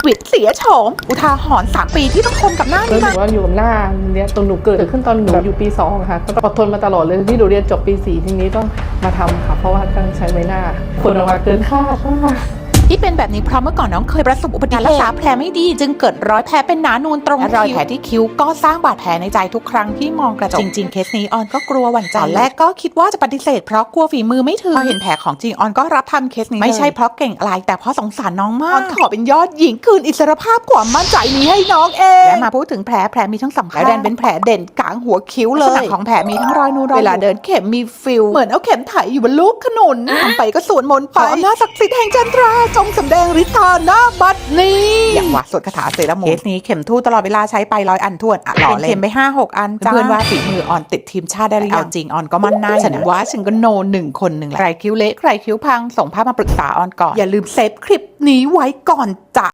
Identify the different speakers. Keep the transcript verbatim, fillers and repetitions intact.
Speaker 1: วิดเสียโฉมอุทาหรณ์สามปีที่ต้องทนกับหน้า
Speaker 2: คือ
Speaker 1: นี้
Speaker 2: หนู
Speaker 1: มา
Speaker 2: ว่าอยู่กับหน้าเนี้ยตอนหนูเกิดขึ้นตอนหนูอยู่ปีสองค่ะก็อดทนมาตลอดเลยที่หนูเรียนจบปีสี่ทีนี้ต้องมาทำค่ะเพราะว่าต้องใช้ใบหน้าคนออกมาเกินคาดมาก
Speaker 1: ที่เป็นแบบนี้เพราะเมื่อก่อนน้องเคยประสบอุบัติเหตุรักษาแผลไม่ดีจึงเกิดรอยแผลเป็นหนานูนตรงคิ้วและรอยแผลที่คิ้วก็สร้างบาดแผลในใจทุกครั้งที่มองกระจกจริงๆเคสนี้ออนก็กลัวหวั่นใจตอนแรกก็คิดว่าจะปฏิเสธเพราะกลัวฝีมือไม่ถึงพอเห็นแผลของจริงออนก็รับทำเคสนี้ไม่ใช่เพราะเก่งอะไรแต่เพราะสงสารน้องมากออนขอเป็นยอดหญิงคืนอิสรภาพความมั่นใจนี้ให้น้องเองและมาพูดถึงแผลแผลมีทั้งสำคัญและแดนเป็นแผลเด่นกลางหัวคิ้วเลยลักษณะของแผลมีทั้งรอยนูนรอยเวลาเดินเข็มมีฟิลเหมือนเอาเข็มไถอยู่บนลูกขนุนทำไปก็สวนมนต์ไปอำนาจศักดิ์สิทธิ์แห่งจันทราจงสำแดงฤทธาหน้าบัดนี้อย่างว่าสวดคาถาเซรามูนเคสนี้เข็มทู่ตลอดเวลาใช้ไปร้อยอันทวนอ่ะหล่อเลยเข็มไปห้าหกอันเพื่อนว่าฝีมือออนติดทีมชาติได้หรือยังจริงออนก็มั่นหน้าฉันว่าฉันก็โนหนึ่งคนหนึ่งแหละใครคิ้วเละใครคิ้วพังส่งภาพมาปรึกษาออนก่อนอย่าลืมเซฟคลิปนี้ไว้ก่อนจ้ะ